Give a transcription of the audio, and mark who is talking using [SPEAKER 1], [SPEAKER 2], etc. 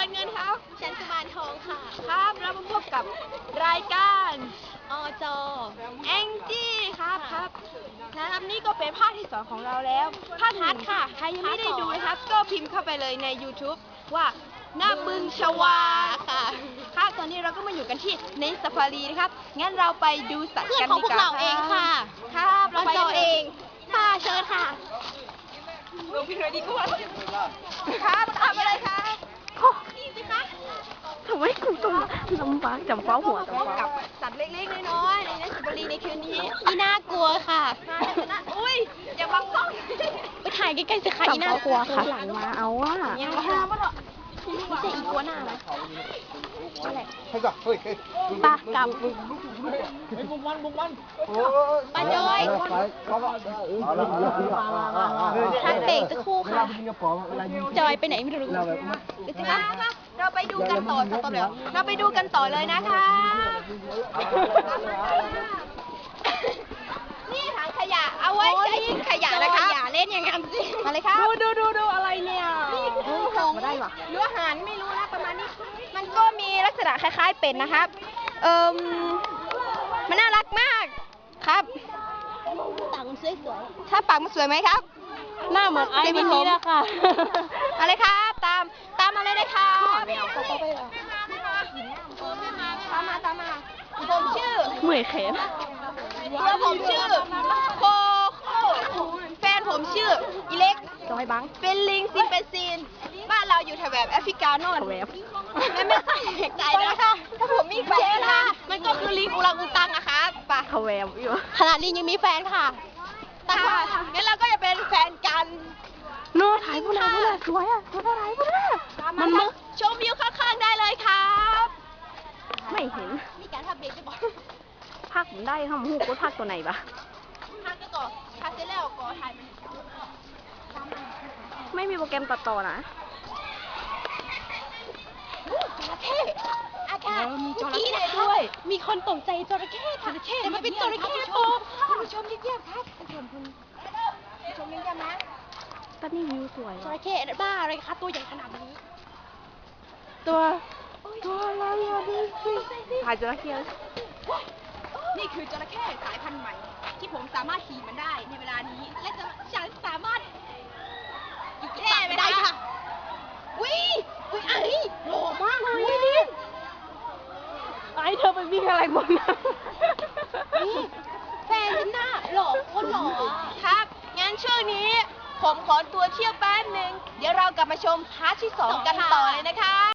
[SPEAKER 1] รเงินครับ
[SPEAKER 2] ฉันกุมารทองค่ะ
[SPEAKER 1] ครับแล้วมาพบกับรายการ
[SPEAKER 2] อจอ
[SPEAKER 1] แองจี้ครับนะครับนี่ก็เป็นภาคที่2ของเราแล้วภาคฮัทค่ะใครยังไม่ได้ดูนะครับก็พิมพ์เข้าไปเลยใน YouTube ว่าหน้าบึงชวาค่ะครับตอนนี้เราก็มาอยู่กันที่ในซาฟารีนะครับงั้นเราไปดูสัตว์
[SPEAKER 2] เพื่อ
[SPEAKER 1] กัน
[SPEAKER 2] นของ
[SPEAKER 1] ดี
[SPEAKER 2] พว
[SPEAKER 1] ก
[SPEAKER 2] ก
[SPEAKER 1] ว่า
[SPEAKER 2] เราเองค่ะ
[SPEAKER 1] ครับ
[SPEAKER 2] อ
[SPEAKER 1] เราไป
[SPEAKER 2] จ
[SPEAKER 1] กั
[SPEAKER 2] อน
[SPEAKER 1] ลย
[SPEAKER 2] เองค่ะเชิญค่ะ
[SPEAKER 1] ครับทำอะไรคะ
[SPEAKER 2] นี่สิคะ
[SPEAKER 3] ทำไมกูต้องลำบากจำเป้าหัวจำ
[SPEAKER 1] พบ
[SPEAKER 3] เป้า
[SPEAKER 1] กับสัตว์เล็กๆน้อยๆในซาฟารีในคืนนี้
[SPEAKER 2] อีน่ากลัวค่ะ
[SPEAKER 1] อุ้ยอย่าบังกล้อง
[SPEAKER 2] ไปถ่ายใกล้ๆสิคะอี
[SPEAKER 3] จำ
[SPEAKER 2] น่า
[SPEAKER 3] เป้าก
[SPEAKER 2] ลัว
[SPEAKER 3] ค่ะ
[SPEAKER 2] ค่ะ
[SPEAKER 3] หลังมาเอาว่า
[SPEAKER 1] ยังมาห้ามมันหรอ
[SPEAKER 2] ไม่ใช่อีกัวหน้านะ
[SPEAKER 3] ปากกับ
[SPEAKER 2] ป้าจอยพักเบรกสักครู่ค่ะ จอยไปไหนไม่รู้
[SPEAKER 1] เราไปดูกันต่อสักต่อเลยเราไปดูกันต่อเลยนะคะนี่ถังขยะเอาไว้ใช้ทิ้งขยะนะคะ
[SPEAKER 2] อย่าเล่นอย่างนั้นสิ
[SPEAKER 1] มาเลยครับดูอะไรเนี่ย
[SPEAKER 3] นี่คือหงได้ปะ
[SPEAKER 1] หรืออาหารไม่รู้นะประมาณนี้ มันก็มีลักษณะคล้ายๆเป็ดนะครับมันน่ารักมากครับ
[SPEAKER 2] ตังสวย
[SPEAKER 1] ถ้าปากมันสวยไหมครับ
[SPEAKER 3] หน้าเหมือนไอ้วันนี้นะค่ะ
[SPEAKER 1] อะไรครับ ตามมาเลยนะครับ ตามมาผมชื่อ
[SPEAKER 3] เหมื่อยแขน
[SPEAKER 1] ผมชื่อโคโค่แฟนผมชื่ออีเล็ก
[SPEAKER 3] จอยบัง
[SPEAKER 1] เป็นลิงซิมเปซีนบ้านเราอยู่แถวแบบแอฟริกาโน่น
[SPEAKER 3] แวบ
[SPEAKER 1] ไม่แปลกใจนะคะถ้าผมมีแฟนค่ะมันก็คือลิงอุรังอุตังนะคะไป
[SPEAKER 3] เขาแวบอยู่
[SPEAKER 2] ๆขนาดลิงยังมีแฟนค่ะ
[SPEAKER 1] ค่ะงั้นเราก็จะเป็นแฟนกัน
[SPEAKER 3] โน่ถ่ายผู้นายสวยอ่ะตัวถ่ายผู้นายมันมึก
[SPEAKER 1] ชมวิวข้างๆได้เลยครับ
[SPEAKER 3] ไม่เห็น
[SPEAKER 1] มีการทำเบรกจะบอก
[SPEAKER 3] พักผมได้ค่ะหูกูพักตัวไหนปะ
[SPEAKER 1] ทางก็ก่อทางเสร็จแล้วก่อถ่ายมัน
[SPEAKER 3] ไม่มีโปรแกรมตัดต่อนะ
[SPEAKER 1] จระเข้อากาศ
[SPEAKER 2] มีจระเข้ด้วย มีคนตกใจจระเข้ค่ะแต่มันเป็นจระเข้ปลอม
[SPEAKER 1] คุณผู้ชมเยี่ยมๆครับคุณผู้ชมเยี่ยมๆนะ
[SPEAKER 3] ตอนนี้วิวสวย
[SPEAKER 2] จระเข้บ้าอะไรคะตัวใหญ่ขนาดนี้
[SPEAKER 3] ตัวอะไรอ่ะดูสิถ่ายจระเข้
[SPEAKER 1] นี่คือจระเข้สายพันธุ์ใหม่ ที่ผมสามารถขี่มันได้ในเวลานี้ และฉันสามารถอยู่แค่ไม่ได้ค่ะวิไอ้หล่อมากเลยนี่
[SPEAKER 3] ไอ้เธอไปวิ่งอะไรบนน้ำ
[SPEAKER 2] แฟนฉันน่ะหล่อคนหล่ออะ
[SPEAKER 1] ครับ งั้นช่วงนี้ผมขอตัวเที่ยวแป๊บนึง เดี๋ยวเรากลับมาชมพาร์ทที่ 2 กัน